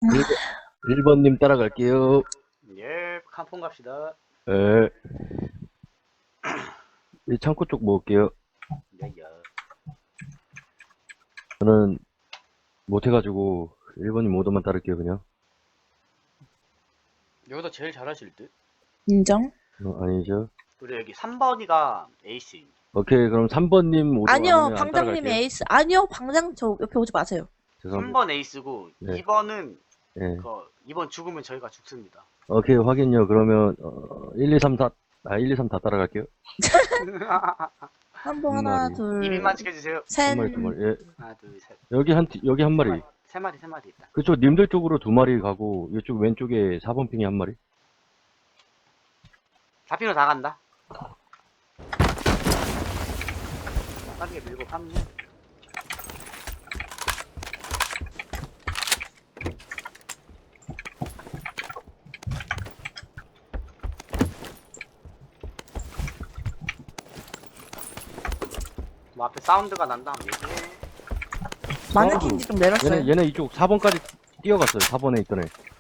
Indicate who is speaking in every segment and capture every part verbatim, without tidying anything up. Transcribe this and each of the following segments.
Speaker 1: 일 번님 따라갈게요.
Speaker 2: 예, 칸폰 갑시다.
Speaker 1: 예. 이 창고 쪽 먹을게요.
Speaker 2: 야, 야.
Speaker 1: 저는 못해가지고 일 번님 오더만 따를게요, 그냥.
Speaker 2: 여기서 제일 잘하실 듯?
Speaker 3: 인정?
Speaker 1: 어, 아니죠.
Speaker 2: 그리고 여기 삼 번이가 에이스인.
Speaker 1: 오케이, 그럼 삼 번님 오더
Speaker 3: 아니요,
Speaker 1: 아니면 안
Speaker 3: 방장님이
Speaker 1: 따라갈게요.
Speaker 3: 에이스. 아니요, 방장 저 옆에 오지 마세요.
Speaker 2: 삼
Speaker 1: 죄송합니다.
Speaker 2: 번 에이스고,
Speaker 1: 네.
Speaker 2: 이 번은,
Speaker 1: 예.
Speaker 2: 그, 이 번 죽으면 저희가 죽습니다.
Speaker 1: 오케이, 확인요. 그러면, 어, 일, 이, 삼, 사, 아, 일, 이, 삼 다 따라갈게요.
Speaker 3: 한 번
Speaker 1: 한
Speaker 3: 하나,
Speaker 1: 마리.
Speaker 3: 둘,
Speaker 2: 이름만 지켜주세요.
Speaker 3: 셋.
Speaker 1: 한 마리, 두 마리. 예.
Speaker 2: 하나, 둘, 셋.
Speaker 1: 여기 한, 티- 여기 한
Speaker 2: 세
Speaker 1: 마리.
Speaker 2: 세 마리, 세 마리 있다.
Speaker 1: 그쪽 님들 쪽으로 두 마리 가고, 이쪽 왼쪽에 사 번 핑이 한 마리.
Speaker 2: 잡히면 다 간다. 빠르게 밀고 파면 뭐 앞에 사운드가 난다. 얘기해.
Speaker 3: 마네킹지 좀 내렸어요.
Speaker 1: 얘네, 얘네 이쪽 사 번까지 뛰어갔어요. 사 번에 있던 애.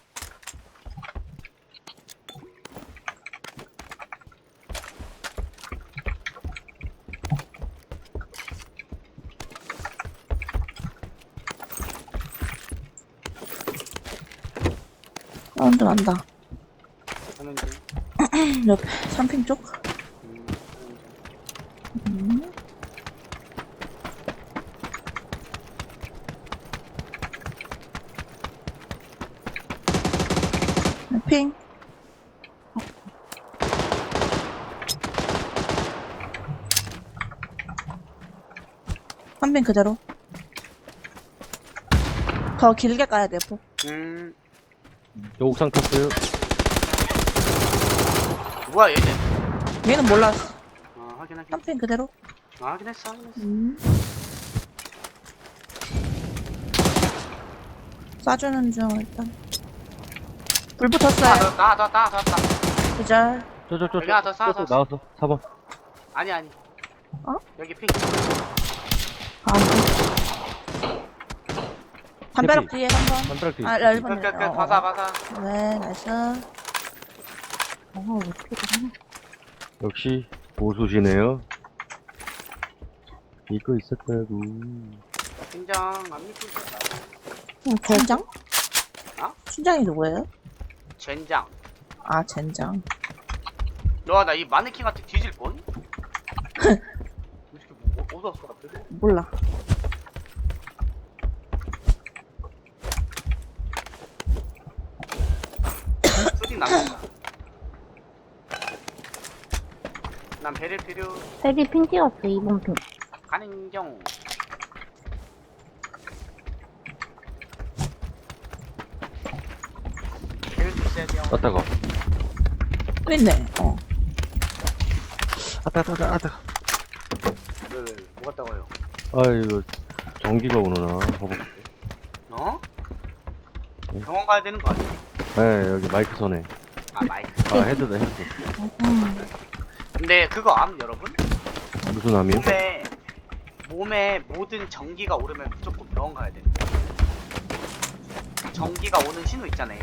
Speaker 3: 사운드 난다.
Speaker 2: 하는 중.
Speaker 3: 옆에 삼 핑 쪽.
Speaker 2: 음, 하는 중.
Speaker 3: 음. 핑. 한 핑 그대로. 더 길게 가야 돼, 폭.
Speaker 2: 음,
Speaker 1: 저 옥상 탔어요.
Speaker 2: 뭐야 얘는?
Speaker 3: 얘는 몰랐어.
Speaker 2: 어, 확인 확인.
Speaker 3: 한 핑 그대로.
Speaker 2: 아, 확인했어 확인했어.
Speaker 3: 음. 쏴주는 중, 일단. 불
Speaker 2: 아,
Speaker 3: 붙었어요.
Speaker 2: 더, 나, 더, 나, 더, 나.
Speaker 3: 그절.
Speaker 1: 저, 저, 저,
Speaker 2: 여기 하나 더
Speaker 1: 저,
Speaker 2: 쌓아,
Speaker 1: 저,
Speaker 2: 쌓아.
Speaker 1: 나왔어. 사 번.
Speaker 2: 아니 아니.
Speaker 3: 어?
Speaker 2: 여기 핑.
Speaker 3: 아, 담벼락 뒤에 한 번.
Speaker 1: 담벼락 뒤에
Speaker 3: 아,
Speaker 1: 있어.
Speaker 3: 일 번.
Speaker 2: 끝, 끝, 끝. 바사, 바사.
Speaker 3: 네, 나이스. 어, 왜 이렇게 되나?
Speaker 1: 역시 고수시네요. 이거 있었다고.
Speaker 2: 긴장 안 믿고 있었다.
Speaker 3: 젠장?
Speaker 2: 어?
Speaker 3: 춘장이 누구예요?
Speaker 2: 젠장.
Speaker 3: 아, 젠장.
Speaker 2: 와, 나 이 마네킹한테 뒤질 뻔? 이렇게 뭐, 어디서 왔어, 갑자기?
Speaker 3: 몰라.
Speaker 2: 수딩 남는다. 난 배를 필요.
Speaker 4: 세비 핀 찍었어, 이번 핀.
Speaker 2: 가는 경. 배를 주셔야 돼요.
Speaker 1: 아따가.
Speaker 3: 또 있네. 어.
Speaker 1: 아따, 아따, 아따.
Speaker 2: 왜, 왜, 뭐 같다고요?
Speaker 1: 아, 이거, 전기가 오nu나. 봐봐.
Speaker 2: 어?
Speaker 1: 응.
Speaker 2: 병원 가야 되는 거 아니야?
Speaker 1: 네, 여기 마이크 선에.
Speaker 2: 아, 마이크.
Speaker 1: 아, 헤드다, 헤드.
Speaker 2: 근데 그거 암, 여러분?
Speaker 1: 무슨 암이요?
Speaker 2: 몸에, 몸에 모든 전기가 오르면 무조건 병원 가야 돼. 전기가 오는 신호 있잖아요.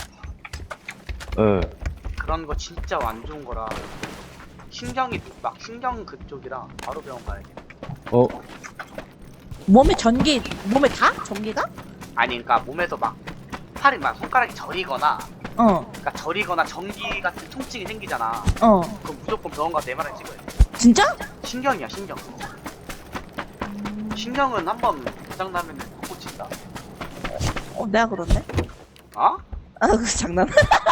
Speaker 1: 예.
Speaker 2: 그런 거 진짜 안 좋은 거라. 신경이 막 신경 그쪽이라 바로 병원 가야 돼.
Speaker 1: 어,
Speaker 3: 몸에 전기, 몸에 다? 전기가?
Speaker 2: 아니, 그러니까 몸에서 막 팔이 막 손가락이 저리거나,
Speaker 3: 어,
Speaker 2: 그러니까 저리거나 전기 같은 통증이 생기잖아.
Speaker 3: 어.
Speaker 2: 그럼 무조건 병원 가서 엠알아이 찍어야 돼.
Speaker 3: 진짜?
Speaker 2: 신경이야, 신경. 신경은 한번 고장 나면 못 고친다.
Speaker 3: 어, 내가 그렇네.
Speaker 2: 어?
Speaker 3: 아, 그 장난.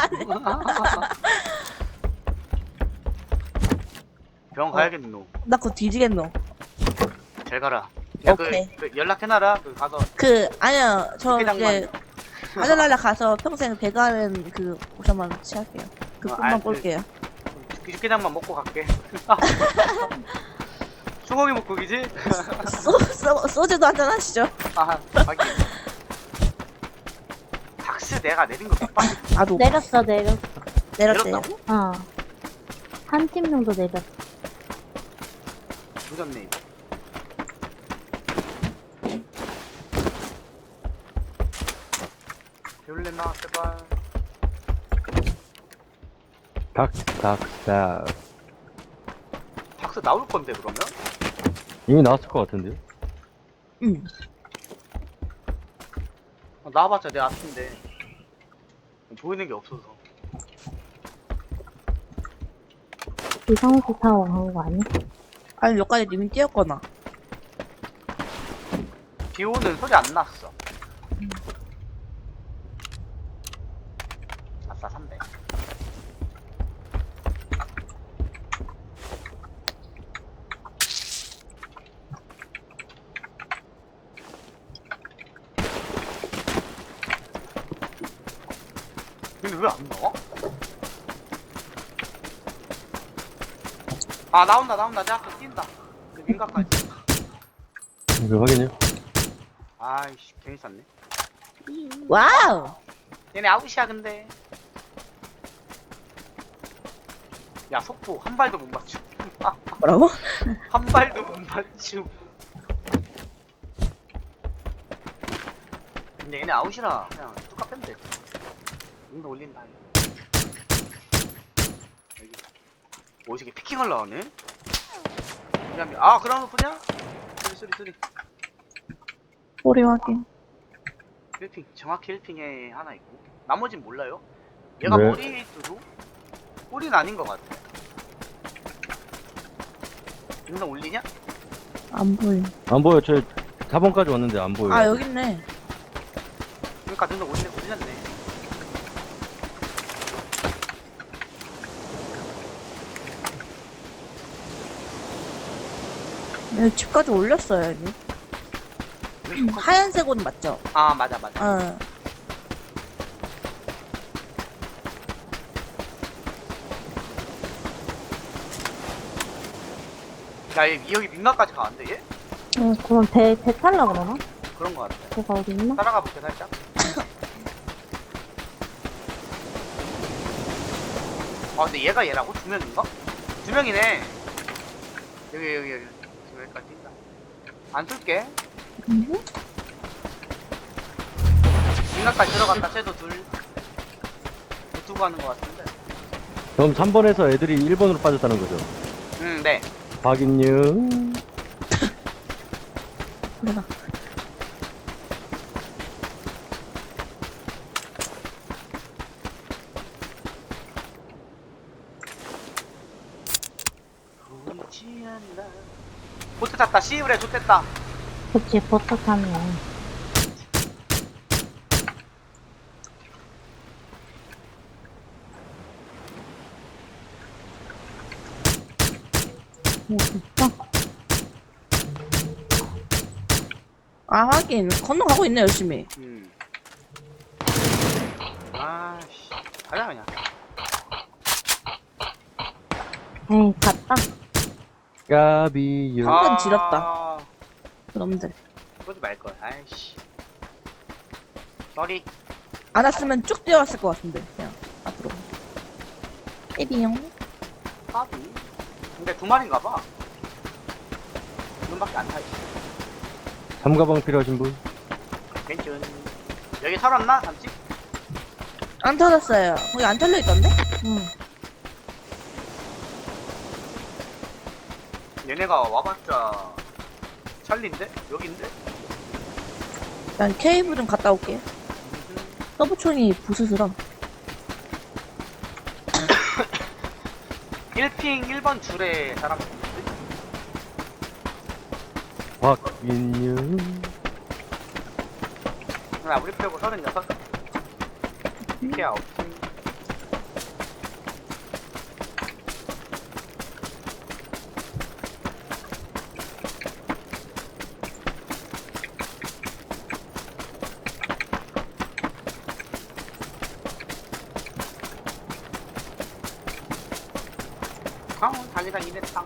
Speaker 2: 병원 가야겠노.
Speaker 3: 나 그거 뒤지겠노.
Speaker 2: 잘 가라. 야, 그,
Speaker 3: 오케이.
Speaker 2: 그 연락해놔라. 그 가서
Speaker 3: 그, 아니야. 저
Speaker 2: 회장만.
Speaker 3: 이제, 아들날라 가서 평생 배가는 그, 옵션만 취할게요. 그
Speaker 2: 어,
Speaker 3: 꿈만
Speaker 2: 알-
Speaker 3: 꿀게요.
Speaker 2: 육개장만 먹고 갈게. 소고기 먹고 기지?
Speaker 3: 소, 소, 소주도 한잔 하시죠.
Speaker 2: 아, 하긴. 닥스 내가 내린 거 몇 번?
Speaker 3: 나도
Speaker 4: 내렸어, 내렸어.
Speaker 3: 내렸대요.
Speaker 2: 내렸다고?
Speaker 4: 어. 한 팀 정도 내렸어.
Speaker 2: 조졌네. 배울래나 제발.
Speaker 1: 닥닥닥.
Speaker 2: 박스 나올 건데 그러면?
Speaker 1: 이미 나왔을 것 같은데요?
Speaker 3: 응.
Speaker 2: 어, 나와봤자 내 앞인데 보이는 게 없어서.
Speaker 4: 비상시 타워 간 거 아니야?
Speaker 3: 아니 여기까지 님이 뛰었거나.
Speaker 2: 비 오는 소리 안 났어. 아싸 삼백. 근데 왜 안 나와? 아 나온다 나온다. 내 앞에 뛴다. 그 민가까지.
Speaker 1: 이거 확인해요.
Speaker 2: 아이씨 괜히 쌌네.
Speaker 3: 와우.
Speaker 2: 얘네 아웃이야 근데. 야 속보 한 발도 못 맞추.
Speaker 3: 뭐라고?
Speaker 2: 한 발도 못 맞추. 근데 얘네 아웃이라 그냥 뚝 빼면 돼. 응도 올린다. 여기 오지게 피킹을 나오네. 미안 미안. 아 그런 거 보냐? 소리 소리 소리.
Speaker 3: 소리 확인.
Speaker 2: 일 핑 정확히 일 핑에 하나 있고 나머진 몰라요. 얘가
Speaker 1: 네.
Speaker 2: 머리에 있어도 꼴은 아닌 것 같아. 영상 올리냐?
Speaker 3: 안 보임.
Speaker 1: 안 보여. 저 사 번까지 왔는데 안 보여.
Speaker 3: 아 여기 있네.
Speaker 2: 그러니까 영상 올리, 올렸네.
Speaker 3: 여기 집까지 올렸어요 여기. 하얀색 옷 맞죠?
Speaker 2: 아 맞아 맞아.
Speaker 3: 어.
Speaker 2: 야얘 여기 민가까지 가는데 얘?
Speaker 4: 응, 그럼 배, 배 탈라 그러나?
Speaker 2: 그런 거 같아.
Speaker 4: 배가 어디 있나?
Speaker 2: 따라가 볼게 살짝. 아 근데 얘가 얘라고? 두 명인가? 두 명이네. 여기 여기 여기 지금 여기까지 뛴다. 안 쏠게.
Speaker 3: 음.
Speaker 2: 민가까지 들어갔다. 쟤도 둘. 두고 가는 거 같은데.
Speaker 1: 그럼 삼 번에서 애들이 일 번으로 빠졌다는 거죠.
Speaker 2: 응 네.
Speaker 1: 확인요.
Speaker 3: 내가.
Speaker 2: 보이지 않나. 보트 탔다. 씨브레 좋댔다.
Speaker 4: 그치, 버터 타네. 뭐, 진짜?
Speaker 3: 아 하긴 건너가고 있네 열심히.
Speaker 2: 음. 아씨. 가자 그냥.
Speaker 4: 에이, 갔다.
Speaker 1: 까비요.
Speaker 3: 아. 번 지렸다. 그놈들.
Speaker 2: 그러지 말걸. 아이씨. 쏘리.
Speaker 3: 안 왔으면 쭉 뛰어왔을 것 같은데 그냥 앞으로. 에비용.
Speaker 2: 까비. 근데 두 마리인가 봐. 두 놈밖에 안 타있어.
Speaker 1: 삼가방 필요하신 분?
Speaker 2: 괜찮. 여기 털었나? 삼집?
Speaker 3: 안 터졌어요. 거기 안 털려 있던데?
Speaker 4: 응.
Speaker 2: 얘네가 와봤자 찰리인데? 여긴데?
Speaker 3: 난 케이블 좀 갔다 올게. 서브총이 부스스러.
Speaker 2: 일 핑 일 번 줄에 사람 있는데?
Speaker 1: 확인요.
Speaker 2: 나 우리 빼고 서른여섯. 피케야 없음. 강원 달리다 이랬다.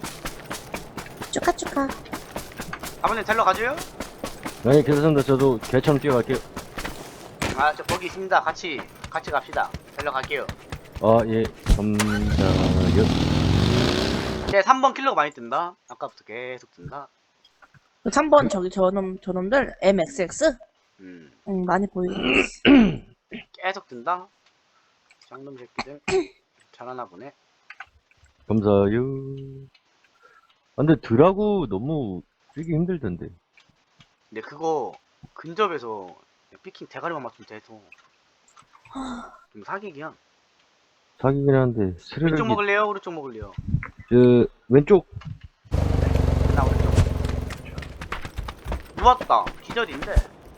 Speaker 3: 축하축하.
Speaker 2: 아버님 데리러 가줘요?
Speaker 1: 네, 괜찮습니다. 저도 개처럼 뛰어갈게요.
Speaker 2: 아, 저 거기 있습니다. 같이, 같이 갑시다. 데리러 갈게요.
Speaker 1: 아, 예. 감사요.
Speaker 2: 제 삼 번 킬러가 많이 뜬다. 아까부터 계속 뜬다.
Speaker 3: 삼 번 저기 저놈 저놈들 엠엑스엑스?
Speaker 2: 음.
Speaker 3: 응, 많이 보이고.
Speaker 2: 계속 든다. 쌍놈 새끼들. 잘하나 보네.
Speaker 1: 감사해요. 아, 근데 드라구 너무 쓰기 힘들던데.
Speaker 2: 근데 그거 근접에서 피킹 대가리만 맞추면 돼서 좀 사기기야.
Speaker 1: 사기긴 한데, 스르륵이,
Speaker 2: 왼쪽 먹을래요? 오른쪽 먹을래요?
Speaker 1: 저, 왼쪽,
Speaker 2: 나 오른쪽. 누웠다. 기절인데.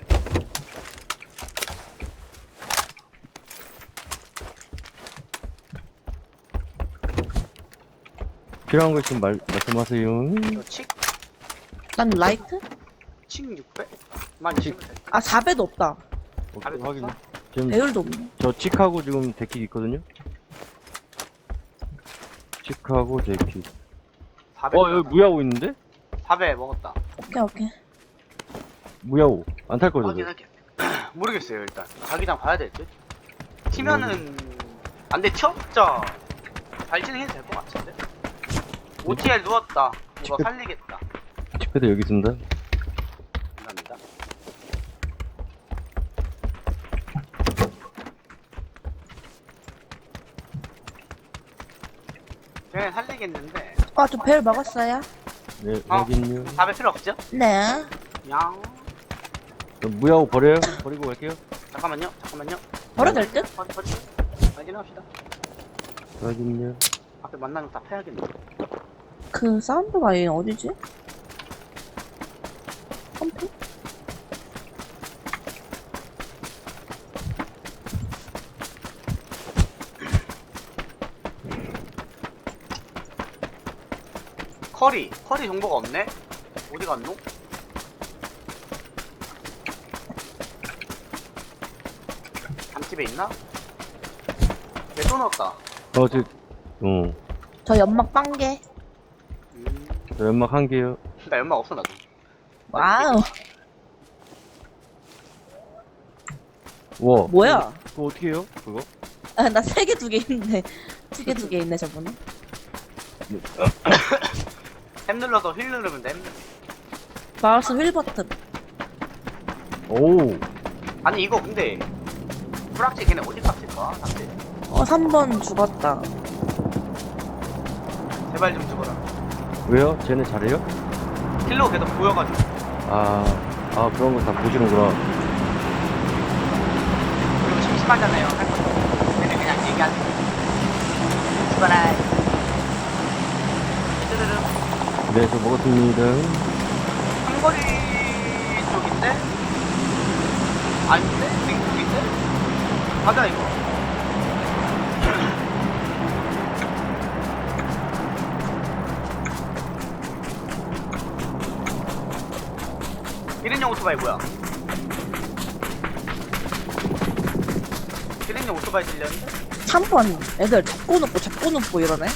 Speaker 1: 필요한 거 있으면 말, 말씀하세요.
Speaker 2: 저 칙?
Speaker 3: 난 라이트?
Speaker 2: 칙 육백? 만 있으면 돼.
Speaker 3: 아, 사 배도 없다.
Speaker 2: 답이
Speaker 1: 확인.
Speaker 2: 없어?
Speaker 1: 지금,
Speaker 3: 배율도 없네.
Speaker 1: 저 칙하고 지금 데킥 있거든요? 칙하고 데킥.
Speaker 2: 사배.
Speaker 1: 어, 여기 무야호 있는데?
Speaker 2: 사배 먹었다.
Speaker 3: 오케이, 오케이.
Speaker 1: 무야호. 안 탈 거죠?
Speaker 2: 확인할게. 모르겠어요, 일단. 자기장 봐야 될 듯? 튀면은, 안 돼, 튀었자. 잘 진행해도 될 것 같은데? 오티엘 누웠다. 이거
Speaker 1: 칙패-
Speaker 2: 살리겠다.
Speaker 1: 칙패드 여기 있습니다.
Speaker 2: 감사합니다. 쟤네 살리겠는데,
Speaker 3: 아, 저 배율 먹었어요?
Speaker 2: 어.
Speaker 1: 네, 확인요.
Speaker 2: 답에 필요 없죠?
Speaker 3: 네.
Speaker 2: 양.
Speaker 1: 그럼 무야호 버려요? 버리고 갈게요.
Speaker 2: 잠깐만요, 잠깐만요.
Speaker 3: 버려도 될 듯?
Speaker 2: 버리, 버리. 확인합시다.
Speaker 1: 확인요.
Speaker 2: 앞에 만나면 다 패야겠네.
Speaker 3: 그 사운드가 얘 어디지? 컴퓨?
Speaker 2: 커리, 커리 정보가 없네? 어디 갔노? 담집에 있나? 왜 또 넣었다?
Speaker 1: 어, 저, 어.
Speaker 3: 저 연막 빵개.
Speaker 2: 음,
Speaker 1: 저 연막 한 개요.
Speaker 2: 나 연막 없어, 나도.
Speaker 3: 와우.
Speaker 1: 와.
Speaker 3: 뭐야?
Speaker 1: 그거 어떻게 해요? 그거?
Speaker 3: 아, 나 세 개 두 개 있네. 두 개 두 개 있네, 저번에.
Speaker 2: 탭 눌러서 휠 누르면 돼.
Speaker 3: 마우스 휠 버튼.
Speaker 1: 오.
Speaker 2: 아니, 이거 근데, 프락치 걔네 어디 값일까? 상대.
Speaker 3: 어, 삼 번 죽었다.
Speaker 2: 제발 좀 죽어라.
Speaker 1: 왜요? 쟤네 잘해요?
Speaker 2: 킬로 계속 보여가지고.
Speaker 1: 아, 아, 그런 거 다 보시는구나.
Speaker 2: 그리고 심심하잖아요. 할 것도 없고. 걔네 그냥 얘기하지. 죽어라. 뚜르르.
Speaker 1: 네, 저 먹었습니다.
Speaker 2: 삼거리 쪽인데? 아닌데? 맹쪽인데? 가자 이거. 일인용 오토바이 뭐야? 일인용 오토바이 들렸는데?
Speaker 3: 삼 번 애들 잡고 눕고 잡고 눕고 이러네.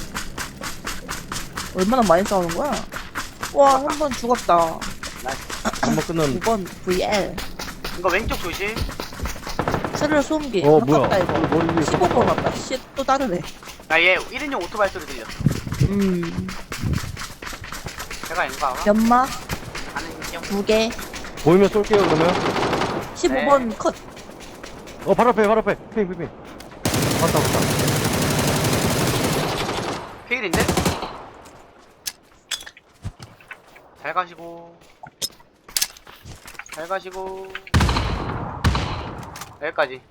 Speaker 3: 얼마나 많이 싸우는 거야? 와, 한 번 죽었다.
Speaker 2: 나이스.
Speaker 1: 한번 끝났는데.
Speaker 3: 두 번 브이엘.
Speaker 2: 이거 왼쪽 조심.
Speaker 3: 스르르 소음기.
Speaker 1: 어,
Speaker 3: 가깝다,
Speaker 1: 뭐야.
Speaker 3: 이거.
Speaker 1: 머리 위에
Speaker 3: 십오 번 왔다. 씨, 또 다르네.
Speaker 2: 나 얘 일인용 오토바이 소리 들렸어.
Speaker 3: 음.
Speaker 2: 제가 인가?
Speaker 3: 연막
Speaker 2: 아는 인형.
Speaker 3: 두 개.
Speaker 1: 보이면 쏠게요, 그러면.
Speaker 3: 십오 번 컷.
Speaker 1: 어, 바로 앞에, 바로 앞에. 핑, 핑, 핑. 왔다, 왔다.
Speaker 2: 페일인데? 잘 가시고 잘 가시고 여기까지.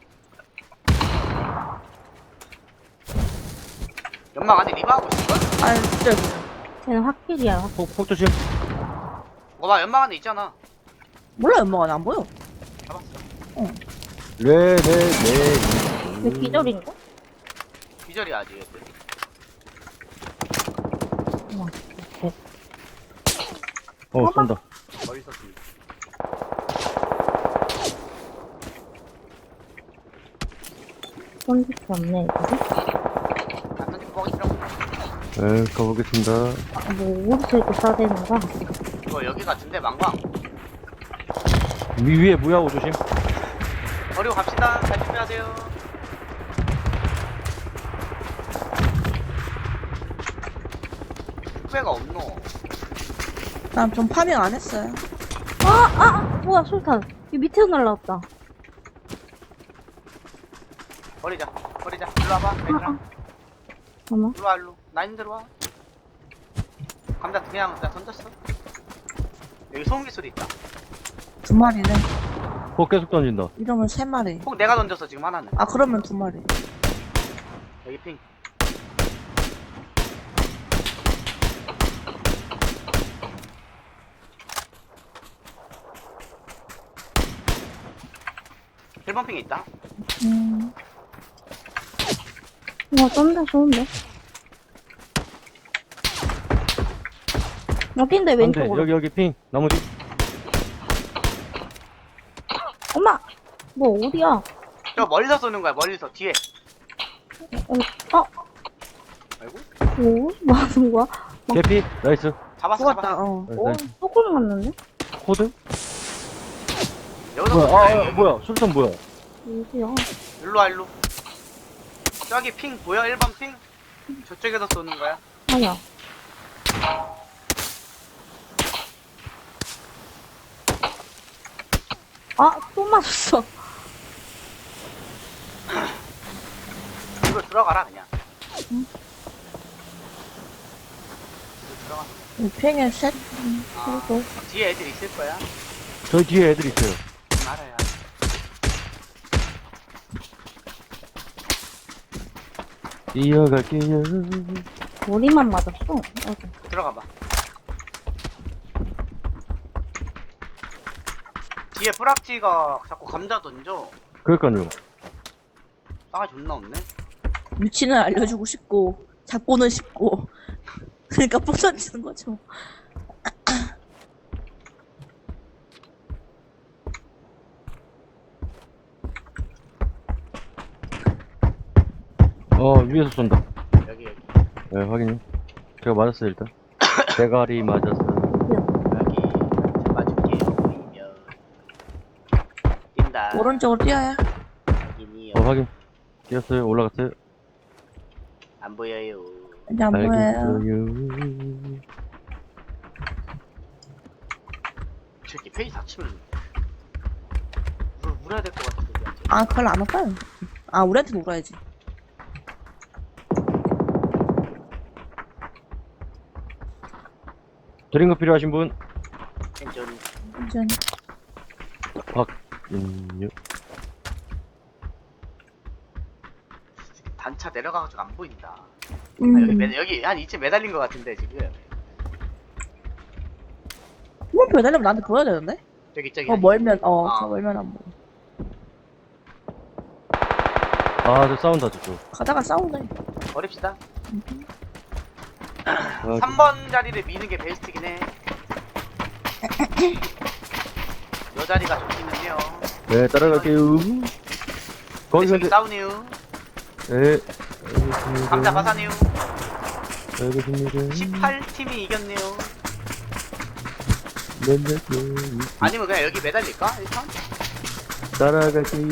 Speaker 2: 연막 안에 리바하고 있을걸?
Speaker 3: 아, 진짜.
Speaker 4: 쟤는 확실이야. 확-
Speaker 1: 폭, 폭 조심.
Speaker 2: 어봐 연막 안에 있잖아.
Speaker 3: 몰라, 연막은 안 보여.
Speaker 2: 잡았어.
Speaker 1: 네, 네, 네.
Speaker 4: 왜 기절인가?
Speaker 2: 기절이야 아직 얘들.
Speaker 4: 우와, 대-
Speaker 1: 어, 쏜다.
Speaker 2: 멀리 있었습니다.
Speaker 4: 쏜 적이 없네, 이거.
Speaker 2: 안 던지고 뭐 뻥이더라고.
Speaker 1: 네, 가보겠습니다.
Speaker 4: 아, 뭐, 어디서 이렇게 싸대는 거야?
Speaker 2: 이거 여기 같은데 망광.
Speaker 1: 위, 위에 무야호 조심.
Speaker 2: 버리고 갑시다. 잘 준비하세요. 후배가 없노.
Speaker 3: 난 좀 파밍 안 했어요.
Speaker 4: 아, 아, 아, 뭐야, 술탄. 이 밑에서 날라왔다.
Speaker 2: 버리자. 버리자. 일로 와봐. 얘들아.
Speaker 4: 잠깐만.
Speaker 2: 일로 와, 일로. 나인 들어와. 감자 그냥 나 던졌어. 여기 소음기 소리 있다.
Speaker 3: 두 마리네.
Speaker 1: 폭 계속 던진다.
Speaker 3: 이러면 세 마리.
Speaker 2: 혹 내가 던졌어, 지금 하나는.
Speaker 3: 아, 그러면 두 마리.
Speaker 2: 여기 핑. 일 번 핑에 있다.
Speaker 3: 음.
Speaker 4: 와, 쩐다, 좋은데? 여긴데,
Speaker 1: 안돼.
Speaker 4: 왼쪽으로.
Speaker 1: 여기 여기 핑. 나무 뒤.
Speaker 4: 엄마! 뭐, 어디야?
Speaker 2: 저 멀리서 쏘는 거야, 멀리서. 뒤에.
Speaker 4: 어?
Speaker 2: 아이고.
Speaker 4: 뭐? 뭐 하는 거야?
Speaker 1: 개피. 나이스.
Speaker 2: 잡았어,
Speaker 3: 죽었다,
Speaker 2: 잡았어.
Speaker 3: 어.
Speaker 1: 나이스,
Speaker 4: 오,
Speaker 1: 나이스.
Speaker 4: 조금 맞는데?
Speaker 1: 코드?
Speaker 2: 여기서
Speaker 1: 뭐야?
Speaker 2: 쏘는
Speaker 1: 아,
Speaker 2: 거야,
Speaker 1: 아
Speaker 2: 여기.
Speaker 1: 뭐야? 술탄 뭐야?
Speaker 4: 어디야?
Speaker 2: 일로 와, 일로. 저기 핑 보여? 일 번 핑? 저쪽에서 쏘는 거야.
Speaker 4: 아야. 아, 또 맞았어.
Speaker 2: 이거 들어가라, 그냥.
Speaker 3: 응.
Speaker 2: 이거 들어가.
Speaker 3: 이 팽에 셋?
Speaker 2: 아,
Speaker 4: 그리고.
Speaker 2: 뒤에 애들 있을 거야.
Speaker 1: 저희 뒤에 애들 있어요.
Speaker 2: 알아요.
Speaker 1: 이어갈게요.
Speaker 4: 머리만 맞았어. 어디?
Speaker 2: 들어가 봐. 뒤에 뿌락지가 자꾸 감자 던져.
Speaker 1: 그러니까요.
Speaker 2: 싸가지 존나 없네.
Speaker 3: 위치는 알려주고 싶고, 잡고는 싶고. 그러니까 폭 던지는 거죠.
Speaker 1: 어 위에서 쏜다.
Speaker 2: 여기, 여기.
Speaker 1: 네 확인. 제가 맞았어요 일단. 대가리 맞았어.
Speaker 2: 여기. 잡아줄게요. 보이면. 뛴다.
Speaker 3: 오른쪽으로 뛰어야.
Speaker 2: 여기니요.
Speaker 1: 어 확인. 뛰었어요. 올라갔어요.
Speaker 2: 안 보여요.
Speaker 3: 이제 안 보여요.
Speaker 1: 알겠어요.
Speaker 2: 저기 페이지 닫히면 물, 물어야 될 것 같은데. 우리한테.
Speaker 3: 아, 그걸 안 올까요? 아, 우리한테 울어야지.
Speaker 1: 드링크 필요하신 분?
Speaker 2: 괜찮.
Speaker 3: 완전.
Speaker 1: 박인유.
Speaker 2: 단차 내려가가지고 안 보인다. 아,
Speaker 3: 음.
Speaker 2: 여기 매, 여기 한 이쯤 매달린 것 같은데 지금.
Speaker 3: 뭐 배달려면 나한테 보여야 되는데?
Speaker 2: 저기 저기.
Speaker 3: 어, 멀면, 어,
Speaker 2: 아.
Speaker 3: 저 멀면 안 보여.
Speaker 1: 아저 싸운다 저쪽.
Speaker 3: 가다가 싸우네.
Speaker 2: 버립시다.
Speaker 1: 아,
Speaker 2: 삼 번 자리를 미는 게 베스트긴 해. 요 자리가 좋기는요.
Speaker 1: 네 따라갈게요. 거기서
Speaker 2: 지금
Speaker 1: 이제
Speaker 2: 싸우네요.
Speaker 1: 네.
Speaker 2: 감자 바사네요.
Speaker 1: 알겠습니다.
Speaker 2: 십팔 팀이 이겼네요.
Speaker 1: 네네.
Speaker 2: 아니면 그냥 여기 매달릴까? 일단?
Speaker 1: 따라갈게요.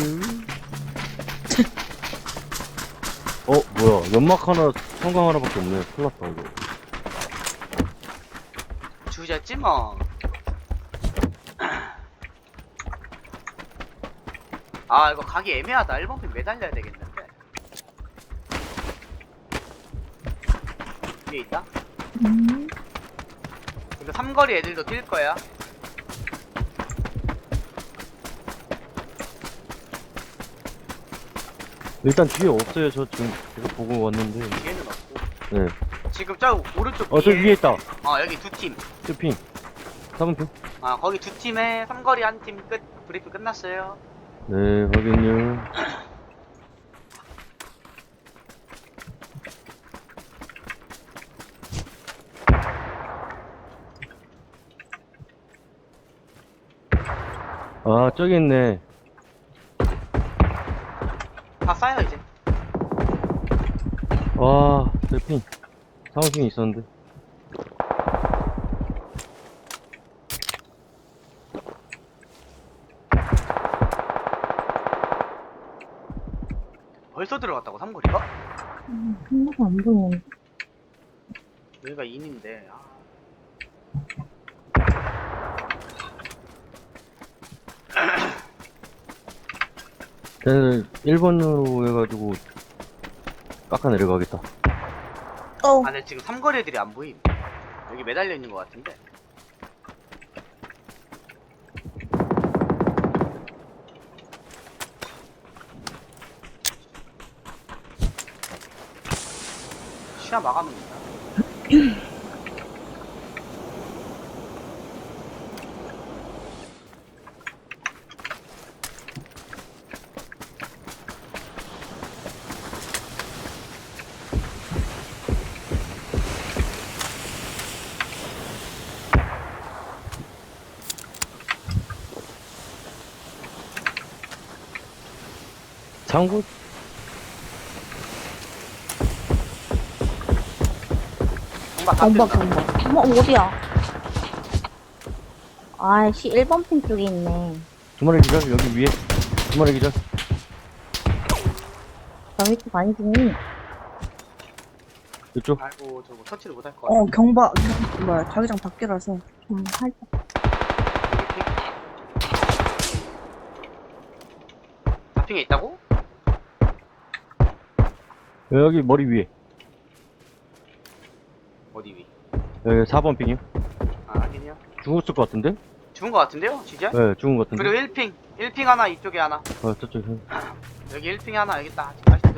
Speaker 1: 어 뭐야? 연막 하나 성광 하나밖에 없네. 큰일 났다 이거.
Speaker 2: 주제지 뭐. 아 이거 가기 애매하다. 일 번 핀 매달려야 되겠는데. 위에 있다?
Speaker 3: 음.
Speaker 2: 이거 삼거리 애들도 뛸 거야.
Speaker 1: 일단 뒤에 없어요. 저 지금 계속 보고 왔는데.
Speaker 2: 뒤에는 없고.
Speaker 1: 네.
Speaker 2: 지금 저 오른쪽
Speaker 1: 어 저 위에 있다.
Speaker 2: 어 여기 두 팀.
Speaker 1: 저 핑. 삼 핑.
Speaker 2: 아 거기 두 팀에 삼거리 한 팀 끝. 브리핑 끝났어요.
Speaker 1: 네 확인요. 아 저기 있네.
Speaker 2: 다 쌓여 이제.
Speaker 1: 와, 저 핑. 사무핑이 있었는데.
Speaker 2: 벌써 들어갔다고 삼거리가?
Speaker 4: 음, 하나도 안 보이는데.
Speaker 2: 여기가 인인데. 아.
Speaker 1: 쟤는 일 번으로 해가지고 깎아 내려가겠다.
Speaker 3: 어,
Speaker 2: 아, 근데 지금 삼거리 애들이 안 보임. 여기 매달려 있는 것 같은데. 시야 막아놓는다.
Speaker 1: 장구
Speaker 2: 공박 다
Speaker 4: 경박,
Speaker 2: 뜬다.
Speaker 4: 경박. 어머, 어디야? 아이씨, 일 번 핀 쪽에 있네.
Speaker 1: 두 마리 기절 여기 위에 두 마리 기절.
Speaker 4: 저 밑에 많이 죽니?
Speaker 1: 이쪽
Speaker 2: 아이고, 저거 터치를 못할 것 같아.
Speaker 3: 어, 경박, 뭐야, 자기장 밖이라서.
Speaker 4: 음, 살짝.
Speaker 2: 잡핑에 있다고?
Speaker 1: 여기 머리 위에
Speaker 2: 어디 위?
Speaker 1: 여기 사 번 핑이요.
Speaker 2: 아, 아니요.
Speaker 1: 죽었을 것 같은데?
Speaker 2: 죽은 것 같은데요? 진짜?
Speaker 1: 네 죽은 것 같은데.
Speaker 2: 그리고 일 핑. 일 핑 하나, 이쪽에 하나.
Speaker 1: 어 저쪽
Speaker 2: 여기 일 핑 하나, 여기 있다. 아직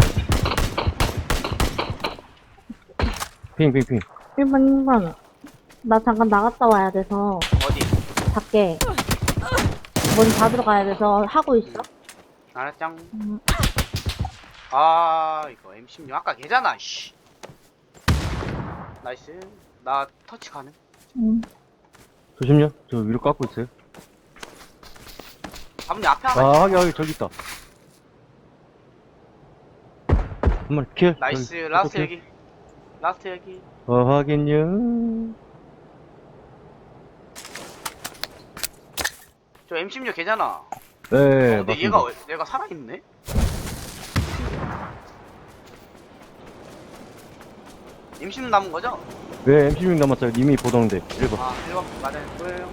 Speaker 1: 핑핑핑.
Speaker 4: 일 번, 일 번. 나 잠깐 나갔다 와야 돼서,
Speaker 2: 어디?
Speaker 4: 밖에. 문 닫으러 가야 돼서 하고 있어.
Speaker 2: 알았짱.
Speaker 4: 음.
Speaker 2: 아, 이거 엠 십육 아까 걔잖아, 씨. 나이스. 나 터치 가능?
Speaker 3: 음.
Speaker 1: 조심요. 저 위로 깎고 있어요.
Speaker 2: 아버님 앞에 하나.
Speaker 1: 아 하기 하기 저기 있다. 한 마리 킬.
Speaker 2: 나이스.
Speaker 1: 여기,
Speaker 2: 라스트
Speaker 1: 킬.
Speaker 2: 여기. 라스트 여기.
Speaker 1: 어 확인요.
Speaker 2: 저 엠 십육 걔잖아.
Speaker 1: 네
Speaker 2: 어, 근데
Speaker 1: 맞습니다.
Speaker 2: 얘가, 왜- 얘가 살아있네? 엠 십육 남은 거죠?
Speaker 1: 네 엠 십육 남았어요. 님이 보던데 일 번.
Speaker 2: 아, 일 번 맞아요. 보여요.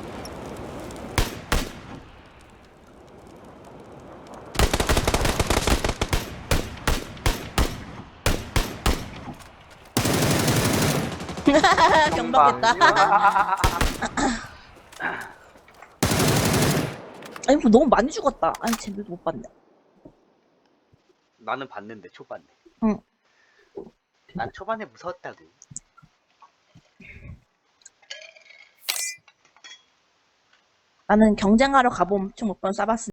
Speaker 3: 경박했다. 아니, 뭐 너무 많이 죽었다. 아니, 쟤들도 못 봤네.
Speaker 2: 나는 봤는데, 초반에.
Speaker 3: 응.
Speaker 2: 난 초반에 무서웠다고.
Speaker 3: 나는 경쟁하러 가보면 총 몇 번 쏴봤으니.